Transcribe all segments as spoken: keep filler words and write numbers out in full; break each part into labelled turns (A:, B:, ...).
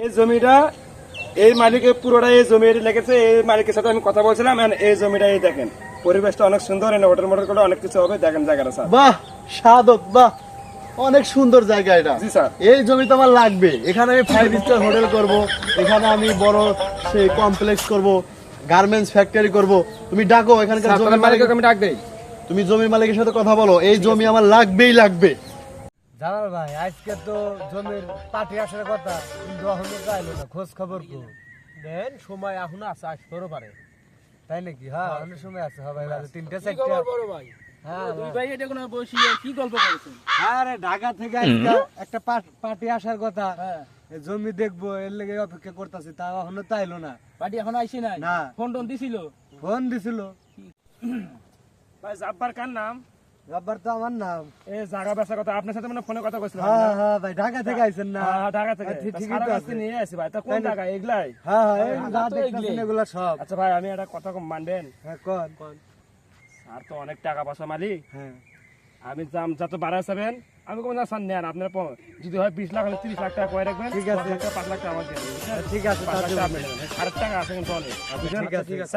A: এই জমিটা এই মালিকের পুরোটা এই জমি লেগেছে। এই মালিকের সাথে আমি কথা বলছিলাম। এই জমিটা এই দেখেন, পরিবেশটা অনেক সুন্দর, হোটেল মোটর করে অনেক কিছু হবে। দেখেন জায়গাটা স্যার,
B: বাহ সাদত, বাহ অনেক সুন্দর জায়গা এটা।
A: জি স্যার,
B: এই জমি তো আমার লাগবে। এখানে আমি ফাইভ স্টার হোটেল করব, এখানে আমি বড় সেই কমপ্লেক্স করব, গার্মেন্টস ফ্যাক্টরি করব। তুমি ডাকো এখানকার জমি মালিককে, আমি ডাক দেই। তুমি জমির মালিকের সাথে কথা বলো, এই জমি আমার লাগবেই লাগবে।
C: জালাল ভাই, আজকে তো জমির পার্টি আসার কথা, কিন্তু এখনো চাইলো না। খোঁজ খবর কো দেন, সময় এখনো আছে, আসতেও পারে। তাই নাকি? হ্যাঁ, অনেক সময় আছে। হ্যাঁ ভাই, তিনটা চারটা বড় ভাই। হ্যাঁ দুই ভাই, এটা কোন বসিয়ে কি গল্প করেছেন? আরে ঢাকা থেকে আজকে একটা পার্টি আসার কথা। হ্যাঁ, জমি দেখবো, এর লেগে অপেক্ষা করতেছি। তা এখনো চাইলো না। পার্টি এখনো আইছে নাই? না। ফোন টোন দিছিল? ফোন দিছিল।
A: ভাই জাব্বার কার নাম?
C: রব্বার তো আমার নাম।
A: এই জায়গা বেচা কথা আপনার সাথে মানে ফোনে কথা কইছিলাম।
C: হ্যাঁ হ্যাঁ ভাই, ঢাকা থেকে আইছেন না?
A: হ্যাঁ ঢাকা থেকে।
C: ঠিকই তো আছে,
A: নিয়ে আসি ভাই। তা কোন জায়গা এগুলাই?
C: হ্যাঁ হ্যাঁ, এই যা দেখতেছেন এগুলা সব।
A: আচ্ছা ভাই, আমি একটা কথা কম মানবেন?
C: হ্যাঁ কোন কোন।
A: আর তো অনেক টাকা পয়সা মালিক।
C: হ্যাঁ,
A: আমি দাম যত বাড়াইছেন আমি কোনো না সান নেন। আপনার যদি হয় বিশ লাখ হলে তিরিশ লাখ টাকা করে রাখবেন।
C: ঠিক আছে,
A: পাঁচ লাখ টাকা আমার দেবেন।
C: ঠিক আছে,
A: পাঁচ লাখ টাকা আপনি দেবেন। আরেক টাকা আছে কিন্তু অনেক।
C: ঠিক আছে, ঠিক আছে।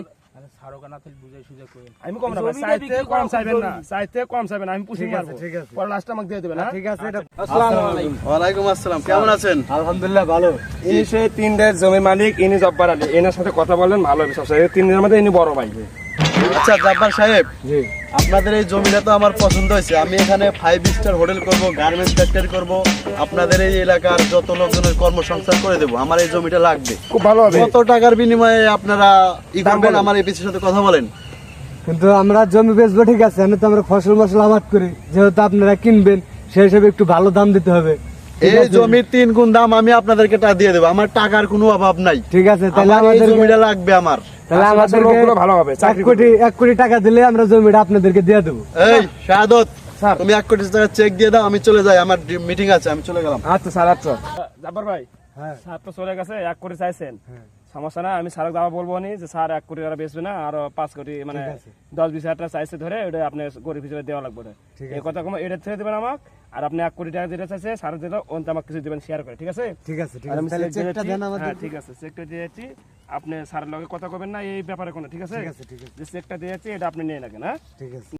A: আমি কম না ভাই, চাইতে কম চাইবেন না, চাইতে কম চাইবেন। আমি পুষি মারবো।
C: ঠিক আছে।
A: পরে লাস্ট আমাকে দিয়ে দেবেন।
C: ঠিক আছে। এটা
A: আসসালামু আলাইকুম।
B: ওয়ালাইকুম আসসালাম, কেমন আছেন?
C: আলহামদুলিল্লাহ ভালো।
A: ইনি সেই তিনটের জমি মালিক, ইনি জব্বার আলী। এনার সাথে কথা বলেন, ভালো হবে সবসময়। এই তিনজনের মধ্যে ইনি বড় ভাই।
B: আচ্ছা জাব্বার সাহেব,
C: জি,
B: আপনাদের এই জমিটা তো আমার পছন্দ হয়েছে। আমি এখানে ফাইভ স্টার হোটেল করব, গার্মেন্টস ফ্যাক্টরি করব, আপনাদের এই এলাকার যত লোকজনের কর্মসংস্থান করে দেবো। আমার এই জমিটা লাগবে,
A: খুব ভালো হবে।
B: কত টাকার বিনিময়ে আপনারা ই করবেন আমার এই পিসির সাথে কথা বলেন।
C: কিন্তু আমরা জমি বেচবো, ঠিক আছে, আমি তো আমরা ফসল মশলা আবাদ করি, যেহেতু আপনারা কিনবেন সেই হিসেবে একটু ভালো দাম দিতে হবে।
B: এই জমির তিন গুণ দাম আমি আপনাদেরকে টাকা দিয়ে দেবো। আমার টাকার কোনো অভাব নাই।
C: ঠিক আছে, তাহলে
B: আমার এই
C: আমাদের
B: জমিটা লাগবে আমার।
C: তাহলে আমাদেরকে
A: ভালো হবে।
C: এক কোটি এক কোটি টাকা দিলে আমরা জমিটা আপনাদেরকে দিয়ে দেবো।
B: এই শাহাদত, তুমি এক কোটি টাকা চেক দিয়ে দাও, আমি চলে যাই, আমার মিটিং আছে, আমি চলে গেলাম।
A: আচ্ছা স্যার, আচ্ছা জাব্বার ভাই,
C: হ্যাঁ
A: স্যার তো চলে গেছে। এক কোটি চাইছেন, সমস্যা না। আমি স্যারকে দাবা বলবো নি যে স্যার এক কোটি টাকা বেচবে না, আরো পাঁচ কোটি মানে দশ বিশ হাজার টাকা চাইছে ধরে, ওটা আপনি গরিব হিসেবে দেওয়া লাগবে। এই কথা কম, এটা ছেড়ে দেবেন আমাকে। আর আপনি এক কোটি টাকা যেটা চাইছে স্যার দিল, ওনতে আমাকে কিছু দেবেন শেয়ার করে। ঠিক আছে?
C: ঠিক আছে, ঠিক
A: আর
C: আছে।
A: আমি
C: তাহলে
A: check
C: চেকটা
A: দিয়েছি।
C: দেন আমাদের।
A: হ্যাঁ ঠিক আছে, চেকটা দিয়েছি। আপনি স্যারের লগে কথা কবেন না এই ব্যাপারে কোনো। ঠিক আছে?
C: ঠিক আছে, ঠিক আছে,
A: যে চেকটা দিয়েছি এটা আপনি নিয়ে রাখেন। হ্যাঁ
C: ঠিক আছে।